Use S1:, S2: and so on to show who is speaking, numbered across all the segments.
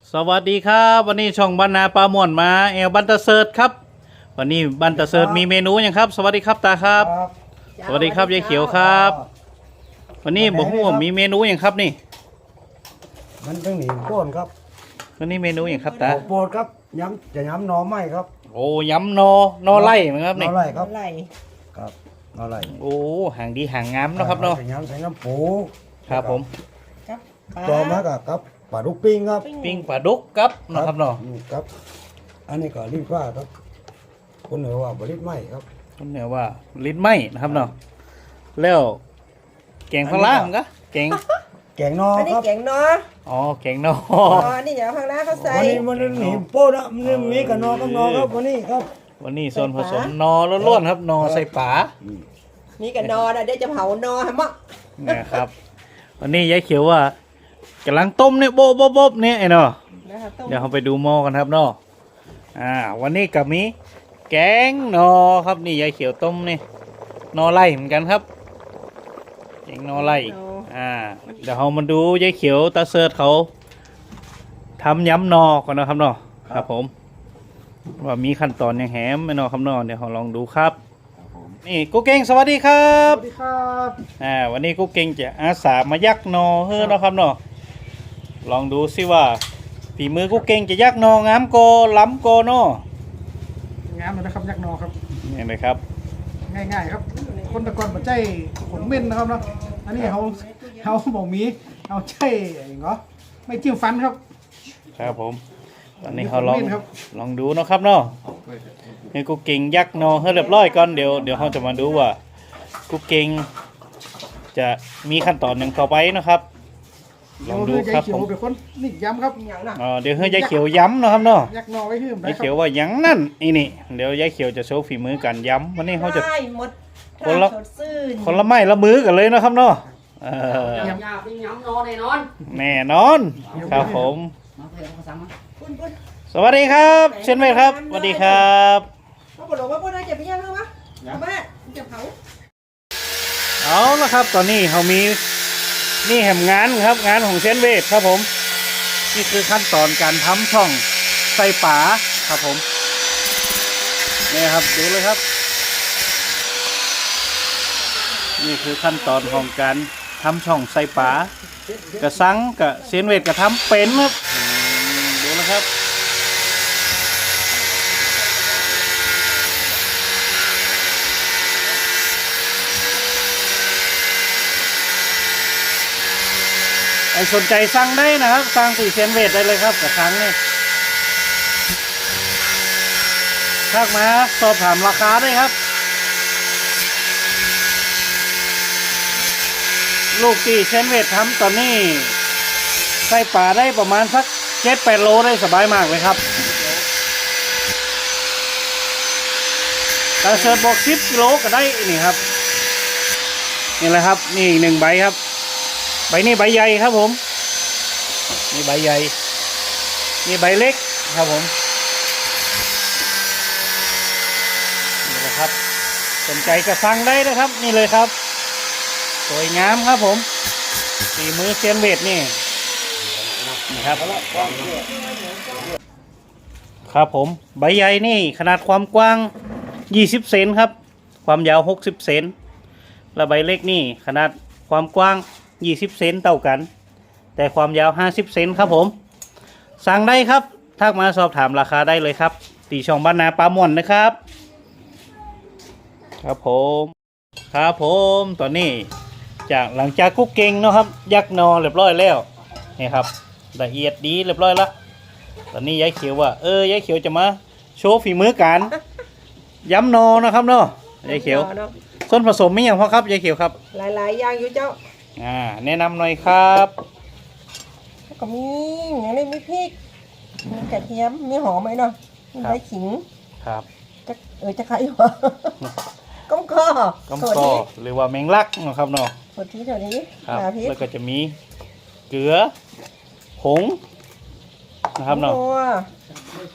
S1: สวัสดีครับวันนี้ช่องบรรณาปลาม่วนมาแอลบันเตอร์เซิร์ตครับวันนี้บันเตอร์เซิร์ตมีเมนูอย่างครับสวัสดีครับตาครับสวัสดีครับยายเขียวครับวันนี้บอกว่ามีเมนูอย่างครับนี่
S2: มันต้องหนีโป้นครับ
S1: วันนี้เมนูอย่างครับตา
S2: โป้นครับย้ำจะย้ำหนอไม้ครับ
S1: โอ้ยำนอไล่ไหมครับนี่
S2: นอไร่ครับ
S3: ไหล
S2: ครับนอไร่
S1: โอ้ห่างดีห่างงามนะครับเนาะ
S2: ใส่ย้ำใส่น้ำปู
S1: ครับผม
S3: กับปลา
S2: ต่อมากับปลาลูกปิ้งครับ
S1: ปิ้งปลาดุกครับนะครับเนาะ
S2: ครับ อันนี้ก็รีบว่าครับคนเหนือว่าบริบไหมครับ
S1: คนเหนือว่าลิ้นไหมนะครับเนาะแล้วแกงพะล้างก็แกง
S2: แกงนอ
S3: อันนี้
S2: ครับ
S3: แกงเนาะ
S1: อ๋อแกงนอ
S3: อ๋ออันนี้เดี๋ยวข้างหน้าเขาใส่
S2: วันนี้มันหนีโป้นนะมันมีกับนอกับนอครับวันนี้ครับ
S1: วันนี้ส่วนผสมนอล้วนๆครับนอใส่ป๋า
S3: มีกับนอนะเดี๋ยวจะเผานอฮะมะ
S1: นะครับ วันนี้ยายเขียวว่ากำลังต้มเนี่ยโบ๊ะเนี่ยไอ้เนาะ
S3: นะคะต้ม
S1: เดี๋ยวเราไปดูหม้อกันครับเนาะวันนี้กับมีแกงนอครับนี่ยายเขียวต้มนี่นอไล่เหมือนกันครับแกงนอไล่เดี๋ยวเรามาดูยายเขียวตาเสิร์ตเขาทำยำนอก่อนนะครับเนาะครับผมว่ามีขั้นตอนยังแหมไม่เนาะครับเนาะเดี๋ยวเราลองดูครับนี่กุ๊กเก่งสวัสดีครับ
S2: สวัสดีครับ
S1: วันนี้กุ๊กเก่งจะอาสามายักนอเฮ้อเนาะครับเนาะลองดูสิว่าฝีมือกุ๊กเก่งจะยักนองามโกล้ำโกเนาะ
S4: งามเลยนะครับยักษ์นอครับ
S1: นี่เลยครับ
S4: ง่ายๆครับ คนตะกอนปัจจัยขนเม่นนะครับเนาะอันนี้เขาบอกมีเอาใจอย่างเงาะไม่จิ้มฟันครับ
S1: ครับผมตอนนี้เขาลอง
S4: ขนเม่นครับ
S1: ลองดูเนาะครับเนาะให้กุ๊กเก่งยักนอให้เรียบร้อยก่อนเดี๋ยวเขาจะมาดูว่ากุ๊กเก่งจะมีขั้นตอนหนึ่งต่อไปนะครับลองดูครับ
S4: เขีย
S1: ผ
S4: ว
S1: ม
S4: เป็นคนนี่ย้ำครับ
S3: อย่างน่ะ
S1: เดี๋ยวให้ยายเขียวย้ำเนาะครับเนาะ
S4: ยักษ์นอไว้ขึ้น
S1: ยายเขียวว่าหยังนั่นนี่เดี๋ยวยายเขียวจะโชว์ฝีมือการย้ำวันนี้เขาจะ
S3: ได้หมด
S1: คนละ
S3: สดซื่น
S1: คนละไม้ละมือกันเลยนะครับเนาะ
S5: ยำเป็นยำนอแน่นอน
S1: แน่นอนครับผม
S5: มาเพื่อนภาษามา
S3: ปุ้น
S1: สวัสดีครับเช่นเวทครับสวัสดีครับ
S3: เขาบอกว่าปุ้นได้จะไปย่างหรือวะแม่จะเผา
S1: เอาละครับตอนนี้เขามีนี่แหมงานครับงานของเช่นเวทครับผมนี่คือขั้นตอนการทำช่องใส่ป๋าครับผมนี่ครับดูเลยครับ นี่คือขั้นตอนของการทำช่องใส่ป๋ากระซังกับเช่นเวทกระทำเป็นครับดูนะครับใครสนใจสั่งได้นะครับสั่งสี่เซนเวทได้เลยครับกับครั้งนี้ทักมาสอบถามราคาได้ครับลูกที่เซนเวททำตอนนี้ใส่ป่าได้ประมาณสัก7-8 โลได้สบายมากเลยครับแต่เสิร์ฟบอก10 กิโลก็ได้นี่ครับนี่แหละครับนี่อีก1 ใบครับใบนี้ใบใหญ่ครับผมนี่ใบใหญ่นี่ใบเล็กครับผมนี่แหละครับสนใจก็สั่งได้นะครับนี่เลยครับสวยงามครับผมฝีมือเซียนเวทนี่นะครับครับผมใบใหญ่นี่ขนาดความกว้าง20 เซนครับความยาว60 เซนและใบเล็กนี่ขนาดความกว้าง20 เซนเท่ากันแต่ความยาว50 เซนครับผมสั่งได้ครับทักมาสอบถามราคาได้เลยครับตีช่องบ้านนาปลาหม่อนนะครับครับผมครับผมตอนนี้หลังจากกุ๊กเก่งเนาะครับยักนอเรียบร้อยแล้วนี่ครับละเอียดดีเรียบร้อยแล้วตอนนี้ยายเขียวว่ายายเขียวจะมาโชว์ฝีมือการย้ำนอนะครับเนาะยายเขียวส่วนผสมมีอย่างพอครับยายเขียวครับ
S3: หลายๆอย่างอยู่เจ้า
S1: แนะนำหน่อยครับ
S3: ก็มีอย่างนี้มีพริกมีกระเทียมมีหอมไหมเนาะมีใบขิง
S1: ครับ
S3: จะใครวะก้มข้อ
S1: ก้มกอหรือว่าแมงลักนะครับเนาะ
S3: ส่วนที่เท่านี้
S1: ครับ
S3: พริก
S1: แล้วก็จะมีเกลือผงนะครับเนาะ
S3: นัว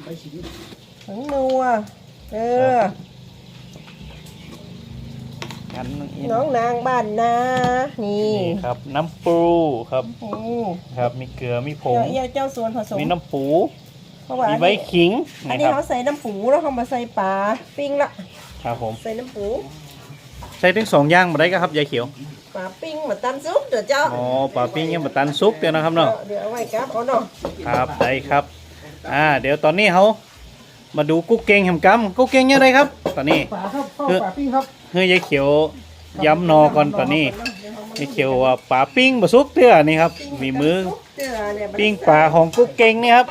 S3: ถึงนัว
S1: งั้น
S3: น้องนางบ้านนานี่
S1: นี่ครับน้ำปูครับ
S3: โอ้
S1: ครับมีเกลือมีผง
S3: เจ้าส่วนผสม
S1: มีน้ำปู
S3: เพราะว่า
S1: มีใบขิง
S3: อัน
S1: นะ
S3: นี้
S1: ครับ
S3: เขาใส่น้ำปูแล้วเขามาใส่ปลาปิ้งละ
S1: ครับผม
S3: ใส่น้ำปู
S1: ใส่ถึง2อย่างมาได้ก็ครับยายเขียว
S3: ปลาปิ้งมาตำซุปเดี๋ยวเจ้า
S1: อ๋อปลาปิ้งยังมาตันซุปเดียวนะครับเนาะ
S3: เดี๋ยวเอาไว้ครับเอาเนาะ
S1: ครับได้ครับเดี๋ยวตอนนี้เขามาดูกุ๊กเก่งแหมกำกุ๊กเก่งยังไงครับ ตอนนี้
S4: ป่าครับเข้าป่าปิ้งครับ
S1: เฮ้ยยายเขียวย้ำนอก่อนตอนนี้ยายเขียวว่าปลาปิ้งบะซุกเตื้อนี่ครับมีมือปิ้งปลาของกุ๊กเก่งนี่ครับ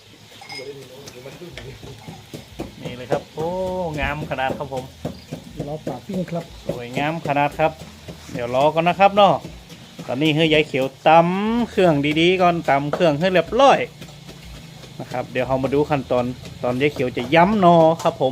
S1: นี่เลยครับโอ้งามขนาดครับผม
S4: เราป่าปิ้งครับ
S1: สวยงามขนาดครับ เดี๋ยวรอก่อนนะครับเนาะตอนนี้เฮ้ยยายเขียวตำเครื่องดีๆก่อนตำเครื่องให้เรียบร้อยนะครับเดี๋ยวเรามาดูขั้นตอนยายเขียวจะย้ำนอครับผม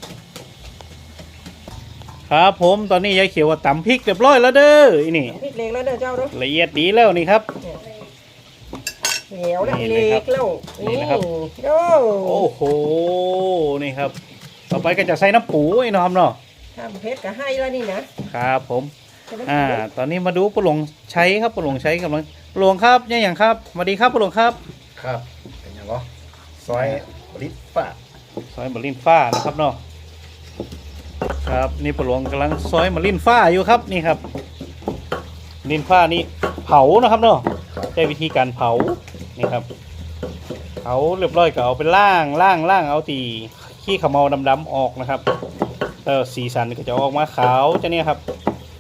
S1: ครับผมตอนนี้ยายเขียวว่าตำพริกเรียบร้อยแล้วเด้ออีนี่
S3: พริกเล็กแล้วเด้อเจ้าเนาะ
S1: ละเอียดดีแล้วนี่ครับ
S3: เหนียวแล้ว
S1: นี่เลย
S3: เล็
S1: ครับ
S3: กแล้ว
S1: นี่นะครับ
S3: โอ้
S1: โอ้โหนี่ครับ ต่อไปก็จะใส่น้ำปูไอ้น้องเนาะ
S3: ทำเพชรก็ให้แล้วนี่นะครับ
S1: ผม
S3: ใส่น้ำปู
S1: ตอนนี้มาดูปลาหลงใช้ครับปลาหลงใช้กำลังปลาหลงครับยังอย่างครับสวัสดีครับปลาหลงครับ
S2: ครับเป็นยังไงซอยลิตฟ้า
S1: ซอยมะลินฟ้านะครับเนาะครับนี่ปลาหลวงกำลังซอยมะลินฟ้าอยู่ครับนี่ครับมะลินฟ้านี่เผานะครับเนาะใช้วิธีการเผานี่ครับเผาเรียบร้อยก็เอาไปล่างเอาตีขี้ขมเมาดำๆออกนะครับแล้วสีสันก็จะออกมาขาวจะเนี่ยครับ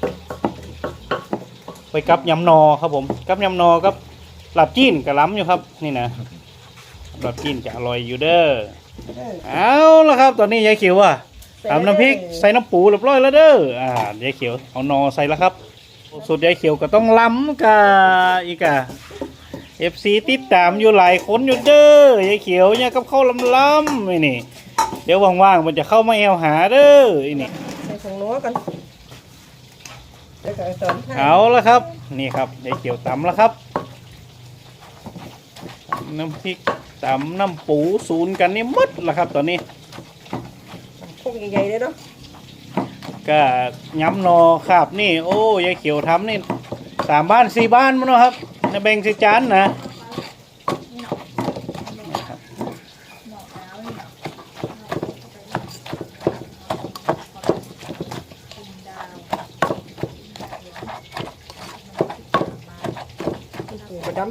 S1: ไปกับยำนอครับผมกับยำนอกับหลับจีนกับล้ำอยู่ครับนี่นะหลับจีนจะอร่อยอยู่เด้อ เอาละครับตอนนี้ยายเขียวอ่ะทำน้ำพริกใส่น้ำปูเรียบร้อยแล้วเด้อยายเขียวเอานอใส่แล้วครับสุดยายเขียวก็ต้องล้ำกับอีกFC ติดตามอยู่หลายคนอยู่เด้อยายเขียวเนี่ยกับข้าวล้ำๆไอ้นี่เดี๋ยวว่างๆมันจะเข้ามาแอวหาเด้อไอ้นี่
S3: ใส่ผงนัวกันเดี๋ยวก็สอนให้
S1: เอาละครับนี่ครับยายเขียวตำแล้วครับน้ำพริกตำน้ำปูศูนย์กันนี่หมดแล้วครับตอนนี้
S3: พวกใหญ่ๆเลยเนาะ
S1: ก็ย้ำนอครับนี่โอ้ยายเขียวทำนี่3 บ้าน 4 บ้านมั้งเนาะครับในแบ่งสิจานนะ
S3: ปูกระดำให้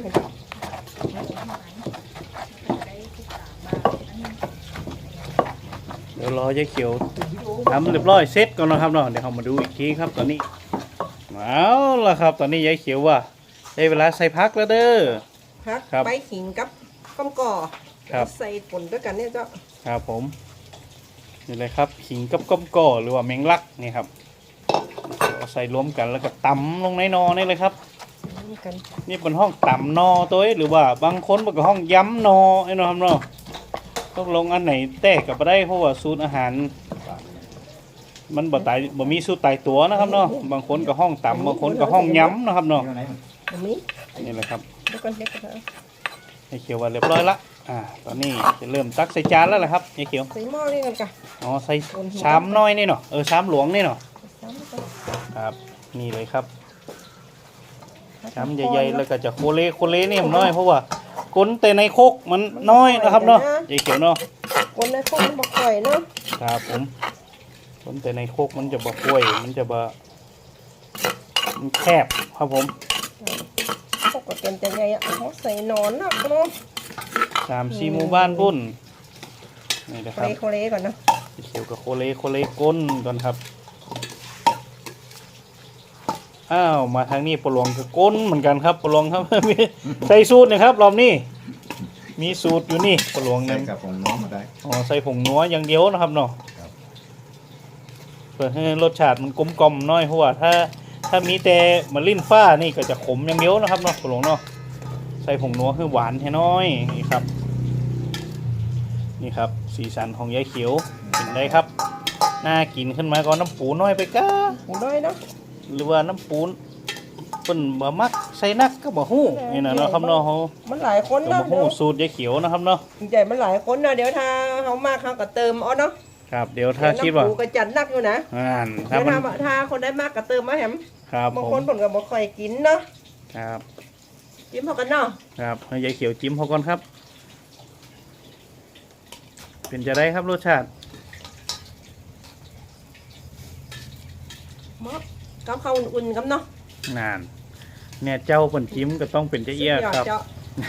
S1: เดี๋ยวรอยายเขียวทำเรียบร้อยเสร็จก่อนนะครับเนาะเดี๋ยวเรามาดูอีกทีครับตอนนี้เอาละครับตอนนี้ยายเขียวว่าได้เวลาใส่พักแล้วเด้อ
S3: พัก
S1: ครับ
S3: ใบขิงกับก้อมก่อ
S1: ครับ
S3: ใส่ผลด้วยกันเนี่ยเจ้า
S1: ครับผมนี่เลยครับขิงกับก้อมก่อหรือว่าแมงลักนี่ครับเอาใส่รวมกันแล้วก็ตำลงในนอนี่เลยครับ
S3: นี่กัน
S1: นี่เป็นห้องต่ำนอตัวเองหรือว่าบางคนเป็นห้องย้ำนอไอ้นอครับเนาะต้องลงอันไหนแตกกับได้เพราะว่าสูตรอาหาร มันบ่มีสูตรตายตัวนะครับเนาะบางคนก็ห้องต่ำบางคนก็ห้องย้ำนะครับเนาะ
S3: อันนี้
S1: นี่แหละครับ
S3: เดี๋ยวก่อนเดี๋ยวก่อน
S1: ไอ้เขียวว่าเรียบร้อยละตอนนี้จะเริ่มตักใส่จานแล้วแหละครับไอ้เขียว
S3: ใส่หม้อนี่กันจ้ะ
S1: อ๋อใส่ชามน้อยนี่เนาะชามหลวงนี่เนาะ
S3: ใส่หม้อ
S1: ครับนี่เลยครับชามใหญ่ๆแล้วก็จะโคเลนี่มันน้อยเพราะว่าก้นแต่ในโคกมันน้อยนะครับเนาะไอ้เขียวเนาะ
S3: คนในคนบอกก่อยเนาะ
S1: ครับผมก้นแต่ในโคกมันจะบ่กล้วยมันจะบ่มันแคบครับผม
S3: พวกก็เต็มแต่ใหญ่อะเขาใส่หนอนเนาะเนาะ
S1: 3-4 หมู่บ้านบุ่นนี่นะ
S3: โค
S1: ครับ
S3: เลโคเลก่อนเนาะ
S1: เขียวกับโคเลก้นก่อนครับอ้าวมาทางนี้ปลวงคือก้นเหมือนกันครับปลวงครับ มีใส่สูตรนะครับรอบนี้มีสูตรอยู่นี่ปลวง
S2: ใส่
S1: นั้น
S2: กับผมน้องมาได้
S1: อ๋อใส่ผงนัวอย่างเดียวนะครับเนาะ
S2: ครับ
S1: เพื่อให้รสชาติมันกลมกล่อมหน้อยเพราะว่าถ้ามีแต่มะลินฟ้านี่ก็จะขมอย่างเดียวนะครับเนาะปลวงเนาะใส่ผงนัวคือหวานให้น้อยนี่ครับนี่ครับสีสันของยายเขียวเห็นได้ครับน่ากินขึ้นมาก็น้ำปูน้อยไปก้า
S3: หูน้อยเนาะ
S1: หรือว่าน้ำปูนเป็นบะมักใส่นักก็บะฮู้นี่นะเนาะครับเนาะเขา
S3: มันหลายคน
S1: ก็
S3: เนาะ
S1: บะฮู้สูตรยายเขียวนะครับเนาะ
S3: ใหญ่มันหลายคนเนาะเดี๋ยวถ้าเขามากเขาก็เติมเอาเนาะ
S1: ครับเดี๋ยวถ้าคิดว่า
S3: น้ำปูกระจัดนักอยู่นะ
S1: ถ้า
S3: เดี๋ยว
S1: มัน
S3: ถ้าคนได้มากก็เติมมาแหม
S1: ครับ
S3: บาง
S1: ผ
S3: คน
S1: ม
S3: ผลก็บ่ค่อยกินเนาะ
S1: ครับ
S3: จิ้มพอกันเนาะ
S1: ครับให้ยายเขียวจิ้มเขาก่อนครับ เป็นจะได้ครับรสชาติ
S3: มอบกับข้าวอุ่นๆครับเนาะ
S1: นาน เนี่ยเจ้าเปิ่นจิ้มก็ต้องเป็นเจ้าเอี้ยครับ
S3: เจ้า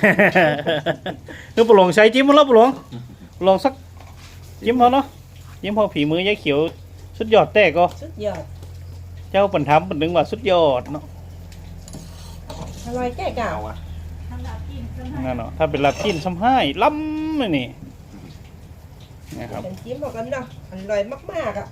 S1: คือปลงใช้จิ้มมาแล้วปลงลองสักจิ้มพอเนาะจิ้มพอผีมือยายเขียวสุดยอดแต่ก็
S3: สุดยอด
S1: เจ้าเปิ่นทำเปิ่นนึงว่าสุดยอดเนาะ
S3: อร่อยแก่เก่า
S1: นั่นเนาะถ้าเป็นลาบจิ้นซ้ำให้ล้ำเลยนี่นะครับ
S3: เป็นจิ้มพอกันเนาะอร่อยมากๆอ่ะ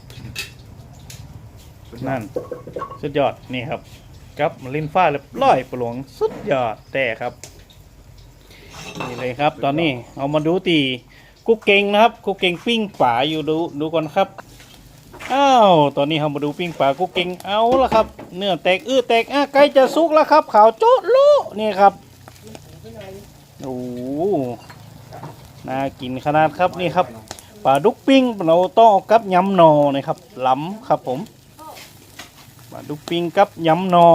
S1: นั่นสุดยอดนี่ครับกับลิ้นฟ้าเรียบร้อยปลวงสุดยอดแต่ครับนี่เลยครับ ตอนนี้เอามาดูตีกุ๊กเก่งนะครับกุ๊กเก่งปิ้งป่าอยู่ดูก่อนครับอ้าวตอนนี้เรามาดูปิ้งป่ากุ๊กเก่งเอาละครับ เนื้อแตกแตกใกล้จะสุกแล้วครับขาวโจ๊ะลุนี่ครับโอ้โหน่ากินขนาดครับนี่ครับปลาดุกปิ้งเราต้องเอากับยำหนอนะครับล้ำครับผมปลาดุกปิ้งกับยำหนอ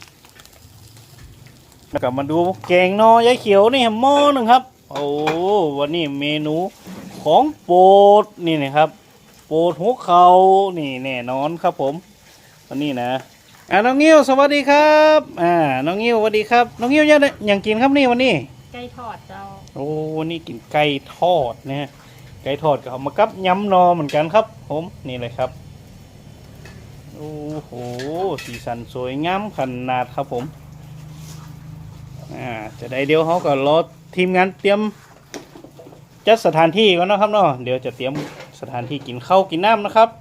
S1: แล้วก็มาดูแกงหนอยายเขียวนี่หม้อหนึ่งครับโอ้วันนี้เมนูของโปรดนี่นะครับโปรดหัวเขานี่แน่นอนครับผมวันนี้นะน้องงิ้วสวัสดีครับน้องงิ้วสวัสดีครับน้องงิ้วยังกินครับนี่วันนี้
S6: ไก่ทอดเจ้า
S1: โอ้วันนี้กินไก่ทอดนะฮะไก่ทอดก็เอามากับยำหนอเหมือนกันครับผมนี่เลยครับโอ้โหสีสันสวยงามขนาดครับผมจะได้เดี๋ยวเขาก็รอทีมงานเตรียมจัดสถานที่ก่อนนะครับเนาะเดี๋ยวจะเตรียมสถานที่กินข้าวกินน้ำนะครับ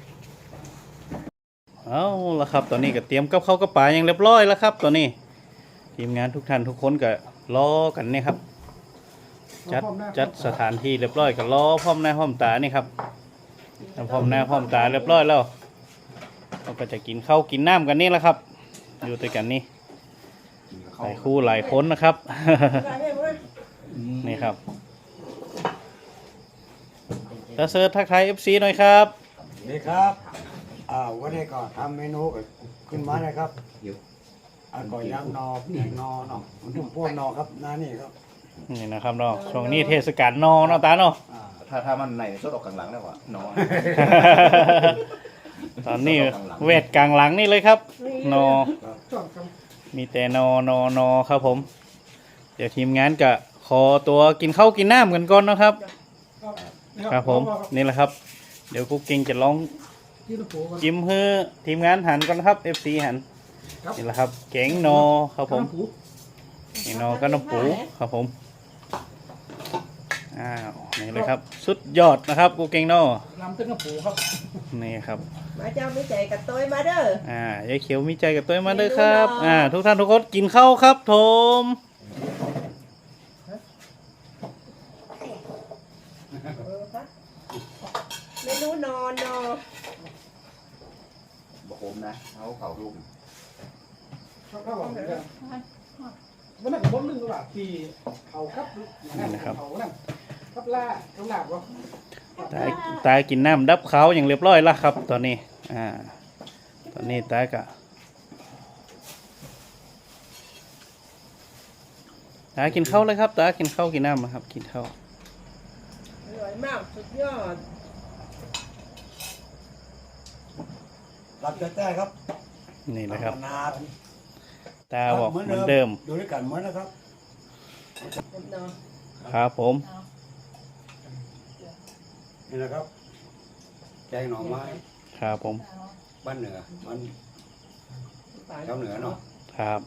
S1: เอาละครับตอนนี้ก็เตรียมกับข้าวกับปลาอย่างเรียบร้อยแล้วครับตอนนี้ทีมงานทุกท่านทุกคนก็รอกันนี่ครับจัดสถานที่เรียบร้อยก็รอพร้อมหน้าพร้อมตานี่ครับพร้อมหน้าพร้อมตาเรียบร้อยแล้วเราก็จะกินข้าวกินน้ำกันนี่แหละครับอยู่ด้วยกันนี่หลายคู่หลายคนนะครับ นี่ครับตาเซิร์ชทักทาย FC หน่อยครับ
S2: นี่ครับวันนี้ก็ทำเมนูขึ้นมาเลยครับก่อยยำนอแกงนอเนาะมันถึงพวกนอครับหน้านี่ครับ
S1: นี่นะครับเนาะช่วงนี้เทศกาลนอเนาะตาเนาะ
S7: ถ้ามันในสดออกกลางหลังแล้วว่ะน้อย
S1: ตอนนี้เวทกลางหลังนี่เลยครับนอ
S4: ช่วงกลาง
S1: มีแต่นอครับผม เดี๋ยวทีมงานก็ขอตัวกินข้าวกินน้ำกันก่อนนะครับ ครับผมนี่แหละครับ เดี๋ยวกุ๊กกิ้งจะลอง
S4: จิ้มปูก่อน
S1: จิ้มให้ทีมงานหันก่อนครับ FC หัน
S4: ครับ
S1: นี่แหละครับแกงนอครับผม
S4: น้ำปู
S1: นี่นอก็น้ำปูครับผมอ้าวนี่เลยครับ สุดยอดนะครับกุ๊กกิ้งนอ
S4: ลำตึ้งน้ำปูครับ
S1: นี่ครับ
S3: มาเจ้าไม่ใจกับตัวมาเด้อย
S1: ายเขียวมีใจกับตัวมาด้วยครับ ทุกท่านทุกคนกินข้าวครับผม
S3: เมนูนอน
S7: บอกผมนะเขาลูก
S4: ครับครับผมวันนั้นผมนึงว่าที่เขาครับเขานั่นครับล่าเขาหลาบวะ
S1: ตากินน้ำดับเขาอย่างเรียบร้อยแล้วครับ ตอนนี้ตอนนี้ตากะตากินข้าวเลยครับตากินข้าวกินน้ำนะครับ กินข้าว
S3: อร่อยมากสุดยอด
S2: รับจะแต้ครับ
S1: นี่นะครับ
S2: นา
S1: ตาบอกเหมือนเดิม
S2: ดูด้วยกันเหมือนนะครับ
S3: เนาะ
S1: ครับผม
S2: นี่นะครับแกงหน่อไม้
S1: ครับผม
S2: บ้านเหนือมันชาวเหนือเนาะ
S1: ครับ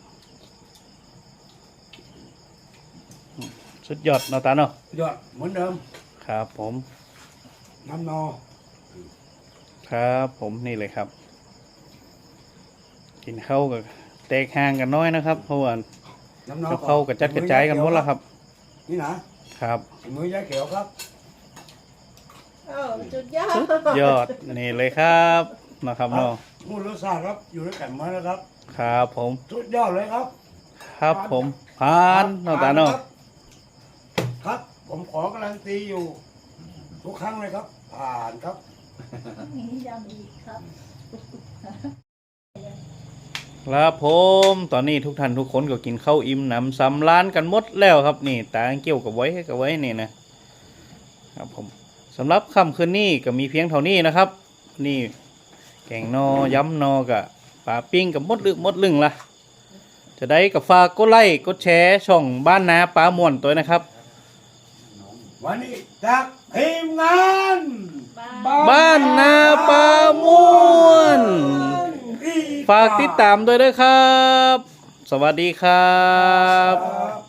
S1: สุดยอดเนาะตาเนาะ
S2: ยอดเหมือนเดิม
S1: ครับผม
S2: น้ำนอ
S1: ครับผมนี่เลยครับ กินข้าวกับแตกห่างกันน้อยนะครับเพราะว่า
S2: น้ำนอ
S1: เข้าวกับจัดกระจายกันหมดแล้วครับ
S2: นี่นะครับ มือยายเขียวครับ
S3: สุดยอด
S1: สุดยอดนี่เลยครับนะครับเนาะ
S2: มูลรสชาติครับอยู่ด้วยกันเหมือนนะครับ
S1: ครับผม
S2: สุดยอดเลยครับ
S1: ครับผมผ่านเนาะตาเนาะ
S2: ครับ ผมขอการันตีอยู่ทุกครั้งเลยครับผ่านครับ
S1: ครับผมตอนนี้ทุกท่านทุกคนก็กินข้าวอิ่มหนำสำราญกันหมดแล้วครับนี่ตาเกี่ยวกับไว้นี่นะครับผมสำหรับค่ำคืนนี้ก็มีเพียงเท่านี้นะครับ นี่แกงนอย้ำนอกับปลาปิ้งกับมดลึงละจะได้กับฝากกดไลค์กดแชร์ช่องบ้านนาปลาม่วนตัวนะครับ
S2: วันนี้จากทีมงาน
S1: บ้านนาปลาม่วนฝากติดตามด้วยนะครับ สวัสดีครับ
S2: ครับ